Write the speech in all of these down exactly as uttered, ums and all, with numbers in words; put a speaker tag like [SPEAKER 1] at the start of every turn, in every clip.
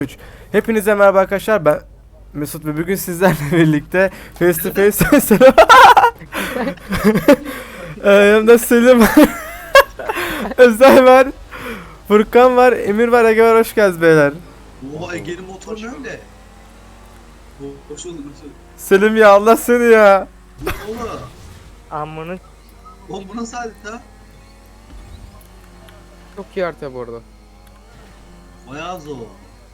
[SPEAKER 1] üç. Hepinize merhaba arkadaşlar, ben Mesut ve bugün sizlerle birlikte face to face selam. Ee, yanımda Selim var. Özel var. Furkan var, Emir var, Ege var, hoş geldiniz beyler.
[SPEAKER 2] Oha Ege'nin motoru ne öyle? Hoş bulduk hoş bulduk.
[SPEAKER 1] Selim ya, Allah seni ya.
[SPEAKER 2] Ne oğlum?
[SPEAKER 3] Amını
[SPEAKER 2] Oğlum bu nasıl harita?
[SPEAKER 4] Çok iyi harita bu arada.
[SPEAKER 2] Bayağı zor.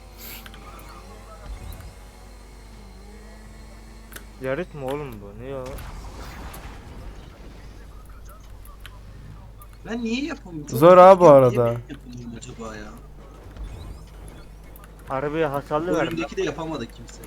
[SPEAKER 3] yarık mı oğlum bu? Ne ya?
[SPEAKER 2] Ben niye yapamıyorum? Çok
[SPEAKER 1] Zor ha bu
[SPEAKER 2] niye
[SPEAKER 1] arada.
[SPEAKER 2] ben yapamıyorum acaba ya?
[SPEAKER 3] Arabaya hasarlı
[SPEAKER 2] Bu
[SPEAKER 3] verdim.
[SPEAKER 2] önümdeki de yapamadı kimse.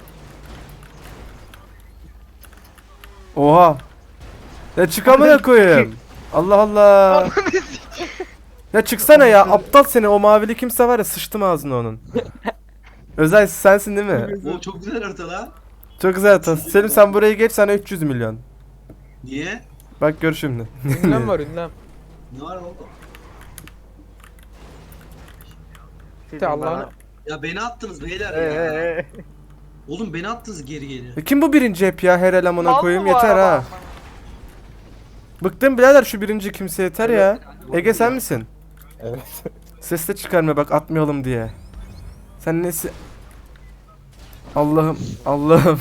[SPEAKER 1] Oha. Ya çıkamaya koyayım. Allah Allah. Ya çıksana ya, aptal seni, o mavili kimse var ya, sıçtım ağzına onun. Özel sensin değil mi?
[SPEAKER 2] O çok güzel harita lan.
[SPEAKER 1] Çok güzel atası. Selim sen burayı geç, sana üç yüz milyon.
[SPEAKER 2] Niye?
[SPEAKER 1] Bak gör şimdi.
[SPEAKER 4] Ünlem var ünlem.
[SPEAKER 2] Ne var oldu?
[SPEAKER 3] Sizin
[SPEAKER 4] Allah'ını-
[SPEAKER 3] bana-
[SPEAKER 2] Ya beni attınız beyler
[SPEAKER 3] Ee,
[SPEAKER 2] ya.
[SPEAKER 3] ee, ee.
[SPEAKER 2] Oğlum beni attınız geri geri.
[SPEAKER 1] E kim bu birinci hep ya, her elemana
[SPEAKER 5] Mal
[SPEAKER 1] koyayım
[SPEAKER 5] mı bu
[SPEAKER 1] yeter
[SPEAKER 5] araba
[SPEAKER 1] ha.
[SPEAKER 5] amına?
[SPEAKER 1] Bıktım birader şu birinci kimse, yeter ya. Ege sen misin?
[SPEAKER 6] Evet.
[SPEAKER 1] Ses de çıkarma bak, atmayalım diye. Sen nesi? Allah'ım, Allah'ım.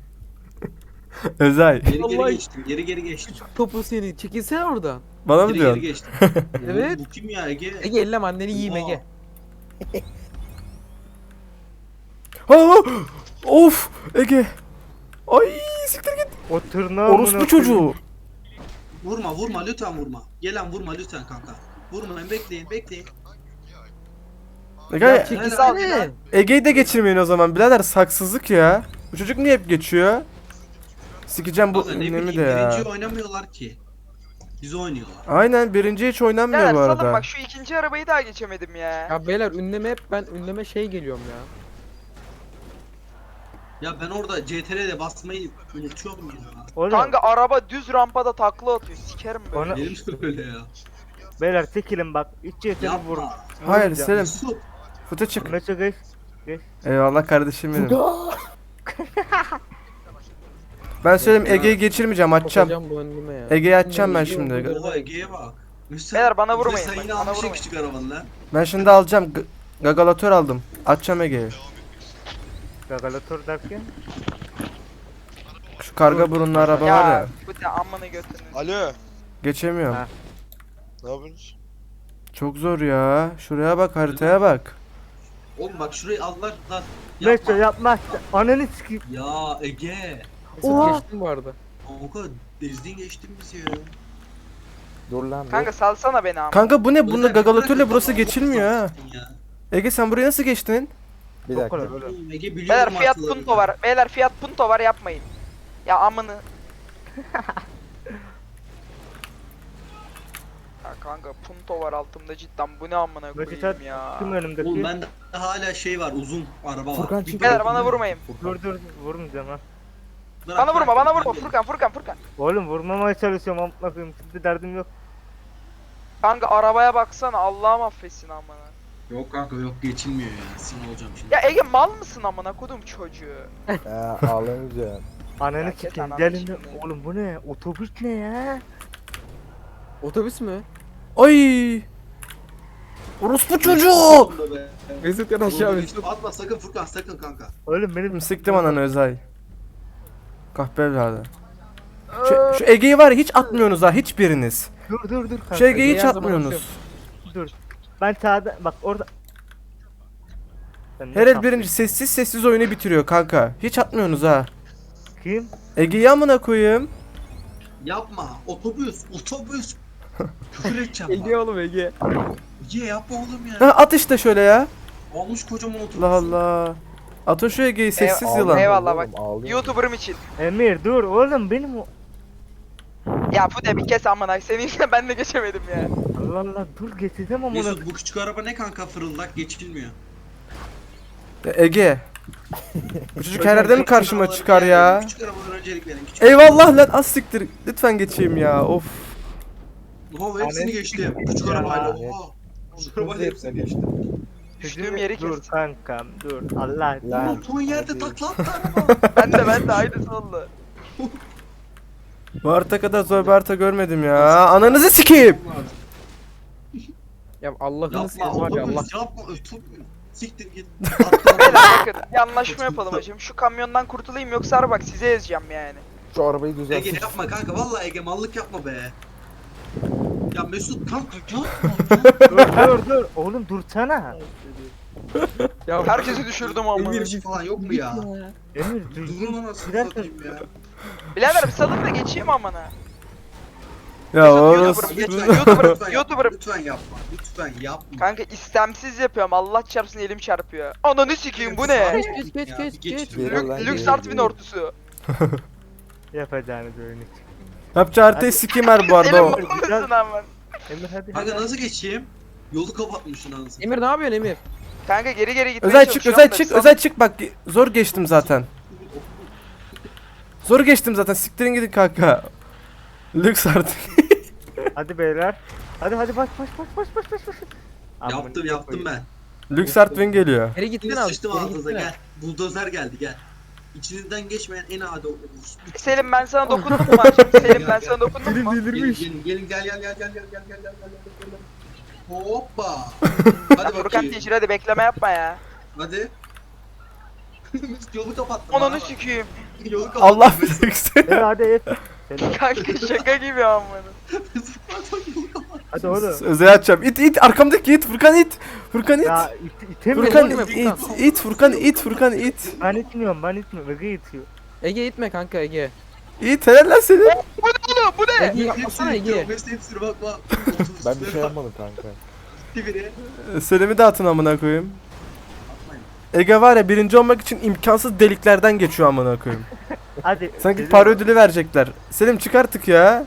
[SPEAKER 1] Özay.
[SPEAKER 2] Geri geri
[SPEAKER 4] Vallahi-
[SPEAKER 2] geçtim. Geri geri geçtim.
[SPEAKER 4] Topu seni. Çekilsene oradan.
[SPEAKER 1] Bana mı
[SPEAKER 2] Geri geri
[SPEAKER 1] diyorsun?
[SPEAKER 2] geçtim.
[SPEAKER 4] Evet.
[SPEAKER 2] Oğlum bu kim ya Ege?
[SPEAKER 4] Ege ellem anneni yiyeyim
[SPEAKER 2] Oha.
[SPEAKER 4] Ege.
[SPEAKER 1] Ha, of Ege. Ay siktir git.
[SPEAKER 3] O tırnağı
[SPEAKER 1] Orospu
[SPEAKER 3] amına
[SPEAKER 1] çocuğu.
[SPEAKER 2] Vurma vurma lütfen vurma. Gelen vurma lütfen kanka. Vurmayın bekleyin bekleyin.
[SPEAKER 1] Ege,
[SPEAKER 4] Çekilsene.
[SPEAKER 1] Ege'yi de geçirmeyin o zaman birader, saksızlık ya. Bu çocuk niye hep geçiyor? Sikeceğim bu
[SPEAKER 2] Kanka ne
[SPEAKER 1] ünlemi
[SPEAKER 2] bileyim
[SPEAKER 1] de ya.
[SPEAKER 2] birinci oynamıyorlar ki. Biz oynuyorlar.
[SPEAKER 1] Aynen, birinci hiç oynanmıyor
[SPEAKER 5] Beyler
[SPEAKER 1] bu
[SPEAKER 5] salın
[SPEAKER 1] arada.
[SPEAKER 5] bak, şu ikinci arabayı daha geçemedim ya.
[SPEAKER 4] Ya beyler ünleme hep ben ünleme şey geliyorum ya.
[SPEAKER 2] Ya ben orada C T R L'de basmayı unutuyorum ya.
[SPEAKER 3] Oğlum,
[SPEAKER 5] Kanka araba düz rampada takla atıyor, sikerim böyle.
[SPEAKER 3] Ona-
[SPEAKER 2] Benim de öyle ya.
[SPEAKER 3] beyler çekilin bak. İç yeteri vurun.
[SPEAKER 2] Yapma.
[SPEAKER 1] Hayır Selim,
[SPEAKER 2] Mesut.
[SPEAKER 1] fıta çık.
[SPEAKER 3] Meçe geç.
[SPEAKER 1] Eyvallah kardeşim benim. Ben söyleyeyim, Ege'yi geçirmeyeceğim, açacağım.
[SPEAKER 4] Bakacağım bu önleme ya.
[SPEAKER 1] Ege'yi açacağım ben
[SPEAKER 4] Ünleme
[SPEAKER 1] şimdi.
[SPEAKER 4] yiyorum,
[SPEAKER 2] Oha Ege'ye bak. Mesut.
[SPEAKER 5] Beyler bana
[SPEAKER 2] bize
[SPEAKER 5] vurmayın,
[SPEAKER 2] Sen
[SPEAKER 5] bak,
[SPEAKER 2] yine
[SPEAKER 5] bana
[SPEAKER 2] almışsın
[SPEAKER 5] vurmayın.
[SPEAKER 2] küçük arabanı lan.
[SPEAKER 1] Ben şimdi alacağım. G- Gagalatör aldım. Açacağım Ege'yi.
[SPEAKER 3] Gagalatör derken.
[SPEAKER 1] Şu karga burunlu araba var
[SPEAKER 5] Ya
[SPEAKER 1] ya.
[SPEAKER 5] bu da amına götünü.
[SPEAKER 6] Alo.
[SPEAKER 1] Geçemiyorum.
[SPEAKER 3] Ha.
[SPEAKER 6] Ne yapıyorsunuz?
[SPEAKER 1] Çok zor ya. Şuraya bak, haritaya bak.
[SPEAKER 2] Oğlum bak şurayı aldılar lan.
[SPEAKER 3] Meçe
[SPEAKER 2] Yapma.
[SPEAKER 3] yapma. Ananı sikeyim.
[SPEAKER 2] Ya Ege.
[SPEAKER 4] Mesut
[SPEAKER 3] Oha.
[SPEAKER 4] geçtin bu arada.
[SPEAKER 2] O kadar ezdin geçtin bizi ya.
[SPEAKER 6] Dur lan dur.
[SPEAKER 5] Kanka salsana beni ama.
[SPEAKER 1] Kanka bu ne? Bunda
[SPEAKER 2] Özel-
[SPEAKER 1] gagalatörle
[SPEAKER 2] bırakın
[SPEAKER 1] burası
[SPEAKER 2] lan,
[SPEAKER 1] geçilmiyor ha.
[SPEAKER 2] ya.
[SPEAKER 1] Ege sen buraya nasıl geçtin?
[SPEAKER 6] Bir
[SPEAKER 3] Çok
[SPEAKER 6] dakika.
[SPEAKER 3] kolay oğlum.
[SPEAKER 2] Oğlum Ege biliyorum
[SPEAKER 5] Beyler Fiat
[SPEAKER 2] haritalarını.
[SPEAKER 5] Punto var. Beyler Fiat Punto var, yapmayın. Ya amını. Ya kanka Punto var altımda cidden, bu ne amına
[SPEAKER 3] Meçe
[SPEAKER 5] koyayım ya.
[SPEAKER 3] kim
[SPEAKER 2] Oğlum
[SPEAKER 3] önümdeki?
[SPEAKER 2] bende hala şey var uzun araba var.
[SPEAKER 6] Furkan
[SPEAKER 2] Bir
[SPEAKER 6] çık.
[SPEAKER 5] Beyler
[SPEAKER 2] bakayım
[SPEAKER 5] bana
[SPEAKER 2] ben.
[SPEAKER 5] vurmayın.
[SPEAKER 3] Dur dur vurmayacağım ha.
[SPEAKER 2] Bırak,
[SPEAKER 5] Bana vurma,
[SPEAKER 2] bırak,
[SPEAKER 5] bana
[SPEAKER 2] ben
[SPEAKER 5] vurma.
[SPEAKER 2] de-
[SPEAKER 5] Furkan, Furkan, Furkan.
[SPEAKER 3] Oğlum vurmamaya çalışıyorum amına koyayım. Şimdi derdim yok.
[SPEAKER 5] Kanka arabaya baksana, Allah'ım affetsin amına.
[SPEAKER 2] Yok kanka yok geçilmiyor ya. Sinir olacağım şimdi.
[SPEAKER 5] Ya Ege mal mısın amına kodum çocuğu?
[SPEAKER 6] He ağlamayacağım.
[SPEAKER 3] Ananı
[SPEAKER 5] Ya kes
[SPEAKER 3] sikeyim.
[SPEAKER 5] ananı
[SPEAKER 3] Gelin.
[SPEAKER 5] şimdi.
[SPEAKER 3] Oğlum bu ne? Otobüs ne ya?
[SPEAKER 4] Otobüs mü?
[SPEAKER 1] Ay! Orospu çocuğu!
[SPEAKER 2] Sonunda be.
[SPEAKER 4] Mesut yan
[SPEAKER 2] Oğlum,
[SPEAKER 4] aşağı
[SPEAKER 2] hiç
[SPEAKER 4] Mesut.
[SPEAKER 2] Atma sakın Furkan sakın kanka.
[SPEAKER 3] Oğlum benim
[SPEAKER 1] Siktim ananı Özay. Kahpe evladı. Şu, şu Ege'yi var ya, hiç atmıyorsunuz ha, hiçbiriniz.
[SPEAKER 3] Dur dur dur kanka.
[SPEAKER 1] Şu Ege'yi hiç
[SPEAKER 4] Ege'yi her zaman
[SPEAKER 1] atmıyorsunuz.
[SPEAKER 3] Dur. Ben sağda bak orada. Sen ne
[SPEAKER 1] Her el
[SPEAKER 3] yaptın?
[SPEAKER 1] birinci sessiz sessiz oyunu bitiriyor kanka. Hiç atmıyorsunuz ha.
[SPEAKER 3] Kim?
[SPEAKER 1] Ege'yi amına koyayım.
[SPEAKER 2] Yapma otobüs otobüs. Küfür edeceğim
[SPEAKER 4] Ege
[SPEAKER 2] bak.
[SPEAKER 4] oğlum Ege.
[SPEAKER 2] Ege yapma oğlum
[SPEAKER 1] Ha,
[SPEAKER 2] ya.
[SPEAKER 1] at işte şöyle ya.
[SPEAKER 2] Olmuş kocaman otobüs.
[SPEAKER 1] Allah Allah. Atın şu Ege'yi, sessiz
[SPEAKER 5] Eyvallah,
[SPEAKER 1] yılan.
[SPEAKER 5] eyvallah bak.
[SPEAKER 6] Ağlıyorum.
[SPEAKER 5] YouTuber'ım için.
[SPEAKER 3] Emir dur oğlum benim o.
[SPEAKER 5] Ya bu da bir kes amına. Senin yüzünden ben de geçemedim ya.
[SPEAKER 3] Allah Allah dur getirdim amına.
[SPEAKER 2] Mesut bu küçük araba ne kanka fırıldak geçilmiyor.
[SPEAKER 1] Ya Ege. Bu çocuk her yerde mi karşıma
[SPEAKER 2] Arabaları
[SPEAKER 1] çıkar ya?
[SPEAKER 2] Küçük arabalara öncelik verin. Küçük
[SPEAKER 1] Eyvallah lan, az siktir. Lütfen geçeyim ya. Of.
[SPEAKER 2] Oha hepsini geçtim. Küçük
[SPEAKER 3] Ya.
[SPEAKER 2] arabayla oha. Küçük arabayla hepsini geçtim.
[SPEAKER 5] Düştüğüm yeri
[SPEAKER 3] Dur
[SPEAKER 5] kes.
[SPEAKER 3] kankam dur. Allah.
[SPEAKER 6] Lan.
[SPEAKER 2] Oturduğun yerde
[SPEAKER 6] hadi.
[SPEAKER 2] takla attı araba.
[SPEAKER 5] Ben de ben de aynısı oldu.
[SPEAKER 1] Bu harita kadar zor bir harita görmedim ya. Ananızı sikeyim.
[SPEAKER 4] Ya Allah'ını
[SPEAKER 2] Yapma
[SPEAKER 4] seveyim var ya Allah.
[SPEAKER 2] otobüs yapma. Ötüm. Siktir git. Atla.
[SPEAKER 5] Beyler bakın bir anlaşma yapalım hacım. Şu kamyondan kurtulayım yoksa bak size ezeceğim yani.
[SPEAKER 6] Şu arabayı
[SPEAKER 2] Ege
[SPEAKER 6] düzelsin.
[SPEAKER 2] yapma kanka. Vallahi Ege mallık yapma be. Ya Mesut kanka yapma.
[SPEAKER 3] Dur dur dur. Oğlum dursana.
[SPEAKER 4] Ya
[SPEAKER 5] Herkesi düşürdüm ama.
[SPEAKER 2] Emirci falan yok mu ya?
[SPEAKER 3] Emir dur.
[SPEAKER 2] Durun anasını
[SPEAKER 3] Biraz-
[SPEAKER 2] satayım ya.
[SPEAKER 5] Birader bir salın da geçeyim amına.
[SPEAKER 1] Ya
[SPEAKER 5] YouTuber,
[SPEAKER 1] orası.
[SPEAKER 5] lütfen, YouTuber,
[SPEAKER 2] Lütfen
[SPEAKER 5] YouTuber.
[SPEAKER 2] yapma. Lütfen yapma. Lütfen yapma.
[SPEAKER 5] Kanka istemsiz yapıyorum. Allah çarpsın elim çarpıyor. Ananı sikeyim bu ne?
[SPEAKER 4] Geç geç geç
[SPEAKER 2] Ya,
[SPEAKER 4] geç
[SPEAKER 2] bir
[SPEAKER 4] geç.
[SPEAKER 2] geç.
[SPEAKER 6] Geri lan,
[SPEAKER 5] Lüks
[SPEAKER 6] geri,
[SPEAKER 5] Artvin
[SPEAKER 6] geri.
[SPEAKER 5] ortusu.
[SPEAKER 3] Yapacağını düğünü.
[SPEAKER 1] Yapacağı haritayı sikeyim her bu arada
[SPEAKER 5] Selim
[SPEAKER 1] o.
[SPEAKER 5] babamısın aman.
[SPEAKER 3] Emir hadi.
[SPEAKER 2] Kanka
[SPEAKER 3] hadi.
[SPEAKER 2] nasıl geçeyim? Yolu kapatmışsın anasını.
[SPEAKER 4] Emir ne yapıyorsun Emir?
[SPEAKER 5] Kanka geri geri gitmeye
[SPEAKER 1] Özel çık,
[SPEAKER 5] çalışıyorum
[SPEAKER 1] özel
[SPEAKER 5] da
[SPEAKER 1] çık,
[SPEAKER 5] sal-
[SPEAKER 1] özel çık bak. Zor geçtim zaten. Zor geçtim zaten. Siktirin gidin kanka. Lüks artık.
[SPEAKER 3] Hadi beyler. Hadi hadi baş baş baş baş baş baş baş.
[SPEAKER 2] Yaptım yaptım ben.
[SPEAKER 1] Lüks Artvin geliyor.
[SPEAKER 4] Geri gittin
[SPEAKER 2] Şimdi
[SPEAKER 4] abi.
[SPEAKER 2] sıçtım
[SPEAKER 4] Geri
[SPEAKER 2] ağzınıza
[SPEAKER 4] gittin
[SPEAKER 2] gel. Buldozer geldi gel. İçinizden geçmeyen en adi olur.
[SPEAKER 5] Selim ben sana dokundum mu hacım? Selim ben sana dokundum mu?
[SPEAKER 2] Gelin gelin gelin gel gel gel gel gel gel gel gel gel gel. Hoppa. Hadi
[SPEAKER 5] Furkan
[SPEAKER 2] bakayım.
[SPEAKER 5] Teacher hadi bekleme yapma ya.
[SPEAKER 2] Hadi. Yolu kapattım.
[SPEAKER 5] Ananı
[SPEAKER 2] bana bak.
[SPEAKER 5] sikeyim.
[SPEAKER 2] Yolu kapattım.
[SPEAKER 1] Allah
[SPEAKER 2] Mesut.
[SPEAKER 1] bilirsin.
[SPEAKER 3] Emir hadi et. Selam.
[SPEAKER 5] Kanka şaka gibi amına.
[SPEAKER 2] Mesut, pardon, yolu kapattım.
[SPEAKER 3] Hadi oğlum.
[SPEAKER 1] Özel açacağım. İt it arkamdaki it Furkan it. Furkan it.
[SPEAKER 3] Ya it, itemiyorum.
[SPEAKER 1] Furkan
[SPEAKER 3] oğlum.
[SPEAKER 1] it it Furkan it Furkan it.
[SPEAKER 3] Ben itmiyorum ben itmiyorum. Ege itiyor.
[SPEAKER 4] Ege itme kanka Ege.
[SPEAKER 1] İt helal lan seni.
[SPEAKER 5] Bu ne oğlum bu ne?
[SPEAKER 4] Ege yapmasana Ege.
[SPEAKER 2] Mesut hepsini bak bak.
[SPEAKER 6] Ben bir şey yapmadım kanka.
[SPEAKER 2] Gitti biri.
[SPEAKER 1] Selim'i dağıtın amına koyayım. Ege var ya birinci olmak için imkansız deliklerden geçiyor amına koyayım.
[SPEAKER 3] Hadi.
[SPEAKER 1] Sanki
[SPEAKER 3] Selim.
[SPEAKER 1] para ödülü verecekler. Selim çık artık ya.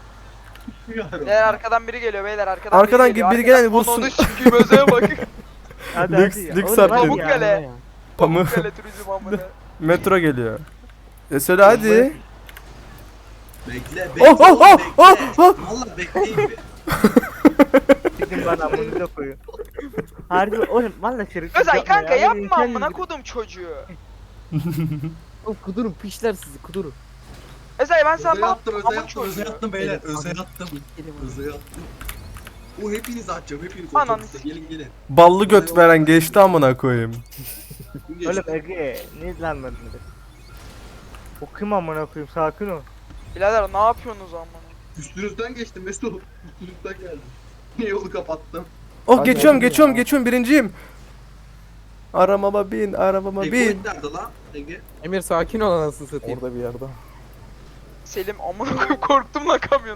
[SPEAKER 5] Beyler arkadan biri geliyor beyler arkadan,
[SPEAKER 1] Arkadan
[SPEAKER 5] biri geliyor.
[SPEAKER 1] biri gelen
[SPEAKER 5] Arkadan-
[SPEAKER 1] vursun.
[SPEAKER 5] Ananı sikeyim özeye bak.
[SPEAKER 3] Hadi
[SPEAKER 1] Lüks-
[SPEAKER 3] hadi ya.
[SPEAKER 1] lüks
[SPEAKER 3] Oğlum, hadi
[SPEAKER 1] Artvin.
[SPEAKER 3] ya.
[SPEAKER 5] Pamukkale.
[SPEAKER 1] Pamuk.
[SPEAKER 5] Pamukkale turizm amına.
[SPEAKER 1] Metro geliyor. E söyle hadi.
[SPEAKER 2] Bekle bekle.
[SPEAKER 1] Oh, oh,
[SPEAKER 2] oğlum,
[SPEAKER 1] oh,
[SPEAKER 2] bekle.
[SPEAKER 1] oh, oh.
[SPEAKER 2] Valla bekleyin bir.
[SPEAKER 3] Gidin bana bunu da koyun. Harbi oğlum valla şerif.
[SPEAKER 5] Özay kanka yapma amına kodum çocuğu.
[SPEAKER 4] Oğlum kudurun pişler sizi kudurun.
[SPEAKER 5] Özay ben sana
[SPEAKER 2] Özel
[SPEAKER 5] ne
[SPEAKER 2] attım,
[SPEAKER 5] yaptım
[SPEAKER 2] özel
[SPEAKER 5] amın
[SPEAKER 2] attım, özel
[SPEAKER 5] çocuğu.
[SPEAKER 2] attım beyler.
[SPEAKER 4] Evet,
[SPEAKER 2] Özel
[SPEAKER 4] hadi.
[SPEAKER 2] attım. Özel attım. O hepinizi atacağım, hepiniz
[SPEAKER 5] Ananı
[SPEAKER 2] otobüste. Gelin gelin.
[SPEAKER 1] Ballı göt veren geçti amına koyayım.
[SPEAKER 2] Geç.
[SPEAKER 3] Oğlum Ege ne lan lan? O kim amına koyayım sakin ol.
[SPEAKER 5] Birader ne yapıyorsunuz amına?
[SPEAKER 2] Üstünüzden geçtim Mesut. Üstünüzden geldim. Niye yolu kapattım?
[SPEAKER 1] Oh
[SPEAKER 6] Hadi
[SPEAKER 1] geçiyorum
[SPEAKER 6] hadi
[SPEAKER 1] geçiyorum
[SPEAKER 6] ya.
[SPEAKER 1] geçiyorum birinciyim. Arabama bin arabama bin.
[SPEAKER 2] Checkpoint nerede lan? Ege.
[SPEAKER 4] Emir sakin ol anasını satayım.
[SPEAKER 6] Orada bir yerde.
[SPEAKER 5] Selim amına koyayım korktum lan kamyon.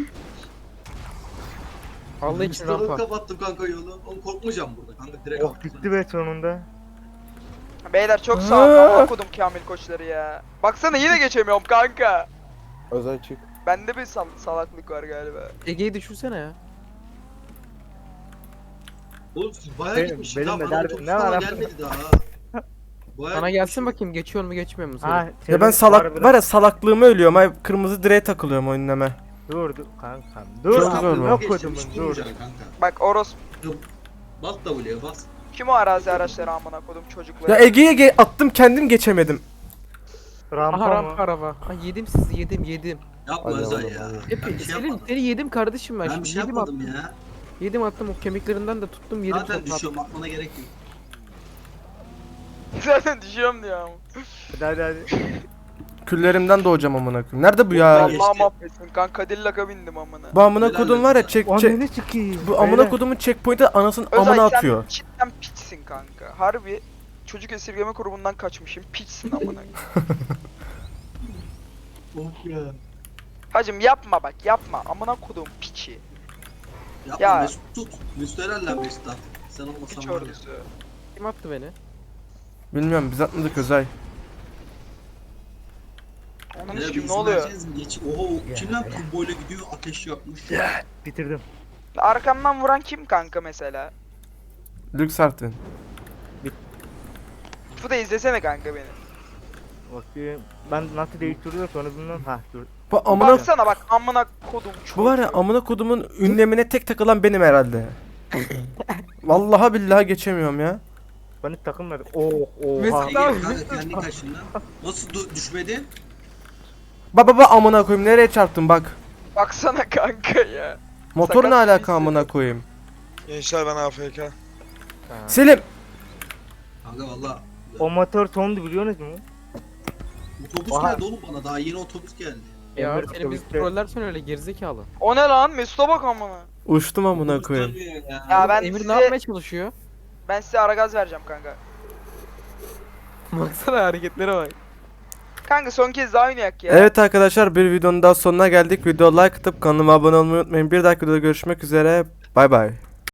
[SPEAKER 4] Allah için
[SPEAKER 2] Yolu
[SPEAKER 4] rampa.
[SPEAKER 2] kapattım kanka yolu. Oğlum korkmayacağım burada kanka direkt
[SPEAKER 3] Oh
[SPEAKER 2] attım.
[SPEAKER 3] bitti be sonunda.
[SPEAKER 5] Beyler çok sağ olun amına kodum Kamil koçları ya. Baksana yine geçemiyorum kanka.
[SPEAKER 6] Özel çık.
[SPEAKER 5] Bende bir sal salaklık var galiba.
[SPEAKER 4] Ege'yi düşürsene ya.
[SPEAKER 2] Oğlum siz bayağı
[SPEAKER 3] Benim-
[SPEAKER 2] gitmişsiniz
[SPEAKER 3] benim
[SPEAKER 2] ha.
[SPEAKER 3] de
[SPEAKER 2] Bana
[SPEAKER 3] derdim,
[SPEAKER 2] otobüs
[SPEAKER 3] ne var
[SPEAKER 2] falan
[SPEAKER 3] abi?
[SPEAKER 2] gelmedi daha. Bayağı
[SPEAKER 4] Bana gelsin
[SPEAKER 2] gitmişim.
[SPEAKER 4] bakayım geçiyor mu geçmiyor mu? Söyle.
[SPEAKER 3] Ha,
[SPEAKER 1] Ya ben salak var ya salaklığımı ölüyorum. Ay kırmızı direğe takılıyorum oyunlama.
[SPEAKER 3] Dur dur kankam. Dur
[SPEAKER 1] Çok zor
[SPEAKER 3] amına
[SPEAKER 1] bu.
[SPEAKER 2] Geçtim,
[SPEAKER 3] kodumun
[SPEAKER 2] hiç
[SPEAKER 3] dur.
[SPEAKER 2] durmayacaksın kanka.
[SPEAKER 5] Bak Oros
[SPEAKER 2] Bas W'ye bas.
[SPEAKER 5] kim o arazi araçları amına kodum çocukları.
[SPEAKER 1] Ya Ege'ye ge- attım kendim geçemedim.
[SPEAKER 3] Rampa
[SPEAKER 4] Aha
[SPEAKER 3] mı?
[SPEAKER 4] rampa araba. Ay yedim sizi yedim yedim.
[SPEAKER 2] Yapma
[SPEAKER 6] Hadi
[SPEAKER 2] Özay
[SPEAKER 6] oğlum,
[SPEAKER 2] ya.
[SPEAKER 6] hadi.
[SPEAKER 4] Hep
[SPEAKER 2] Ben bir şey
[SPEAKER 4] Selim
[SPEAKER 2] yapmadım.
[SPEAKER 4] seni yedim kardeşim ben.
[SPEAKER 2] Ben
[SPEAKER 4] Şimdi
[SPEAKER 2] bir şey
[SPEAKER 4] yedim
[SPEAKER 2] yapmadım
[SPEAKER 4] attım.
[SPEAKER 2] ya.
[SPEAKER 4] Yedim attım o kemiklerinden de tuttum yedim.
[SPEAKER 2] Zaten
[SPEAKER 4] sonra
[SPEAKER 2] düşüyorum atmana gerek yok.
[SPEAKER 5] Zaten düşüyorum diyor ama.
[SPEAKER 3] Hadi hadi hadi.
[SPEAKER 1] Küllerimden doğacağım amına koyayım. Nerede bu ya?
[SPEAKER 2] geçti.
[SPEAKER 5] Allah mahvetsin kanka Cadillac'a bindim amına.
[SPEAKER 1] Bu amına
[SPEAKER 2] Helal
[SPEAKER 1] kodum var ya
[SPEAKER 2] olsun.
[SPEAKER 1] çek çek.
[SPEAKER 3] Ananı sikeyim.
[SPEAKER 1] Bu amına
[SPEAKER 3] Beyler.
[SPEAKER 1] kodumun checkpoint'e anasının
[SPEAKER 5] Özay
[SPEAKER 1] amına
[SPEAKER 5] sen
[SPEAKER 1] atıyor.
[SPEAKER 5] cidden piçsin kanka. Harbi çocuk esirgeme kurumundan kaçmışım. Piçsin amına.
[SPEAKER 2] Oh ya.
[SPEAKER 5] Hacım yapma bak yapma. Amına kodum piçi.
[SPEAKER 2] Yapma
[SPEAKER 5] Ya.
[SPEAKER 2] Mesut tut. Mesut herhalde Mesut at. Sen
[SPEAKER 5] Piç
[SPEAKER 2] olmasan var ya.
[SPEAKER 5] ordusu.
[SPEAKER 4] Kim attı beni?
[SPEAKER 1] Bilmiyorum biz atmadık Özay.
[SPEAKER 5] Onun
[SPEAKER 2] Ya
[SPEAKER 5] için
[SPEAKER 2] bir
[SPEAKER 5] ne oluyor?
[SPEAKER 2] izin verseniz Geç. Oho kim lan kumboyla gidiyor ateş yakmış.
[SPEAKER 3] Bitirdim.
[SPEAKER 5] Arkamdan vuran kim kanka mesela?
[SPEAKER 1] Lüks Artvin.
[SPEAKER 5] Bu da izlesene kanka beni.
[SPEAKER 3] Bakayım. Ben nasıl değiştiriyor sonra bilmem. Ha dur.
[SPEAKER 1] Bu amına
[SPEAKER 5] Baksana bak amına kodum çocuğu.
[SPEAKER 1] bu var ya amına kodumun ünlemine tek takılan benim herhalde. Vallahi billahi geçemiyorum ya.
[SPEAKER 3] Beni takım verdi. Oh oha.
[SPEAKER 4] Mesut
[SPEAKER 2] Ege kanka kendi kaşından. Nasıl du- düşmedin?
[SPEAKER 1] Baba baba amına koyayım nereye çarptın bak.
[SPEAKER 5] Baksana kanka ya.
[SPEAKER 1] Motor ne
[SPEAKER 5] Sakat
[SPEAKER 1] alaka
[SPEAKER 5] birisi.
[SPEAKER 1] amına koyayım.
[SPEAKER 7] Gençler ben A F K.
[SPEAKER 1] Selim.
[SPEAKER 2] Kanka valla.
[SPEAKER 3] O motor tondu biliyorsunuz mu?
[SPEAKER 2] Otobüs
[SPEAKER 3] Oha.
[SPEAKER 2] geldi oğlum bana. Daha yeni otobüs geldi.
[SPEAKER 4] Ya
[SPEAKER 3] Emir
[SPEAKER 4] seni biz
[SPEAKER 3] otobüste-
[SPEAKER 4] trollersen öyle gerizekalı.
[SPEAKER 5] O ne lan? Mesut'a bak amına.
[SPEAKER 1] Uçtum amına
[SPEAKER 2] Otobüs
[SPEAKER 1] koyayım.
[SPEAKER 2] dönmüyor ya.
[SPEAKER 5] Ya ben
[SPEAKER 4] Emir
[SPEAKER 5] size
[SPEAKER 4] ne yapmaya çalışıyor?
[SPEAKER 5] ben size ara gaz vereceğim kanka.
[SPEAKER 4] Baksana hareketlere bak.
[SPEAKER 5] Kanka son kez daha oynayak ya.
[SPEAKER 1] Evet arkadaşlar bir videonun daha sonuna geldik. Video like atıp kanalıma abone olmayı unutmayın. Bir dahaki videoda görüşmek üzere. Bay bay.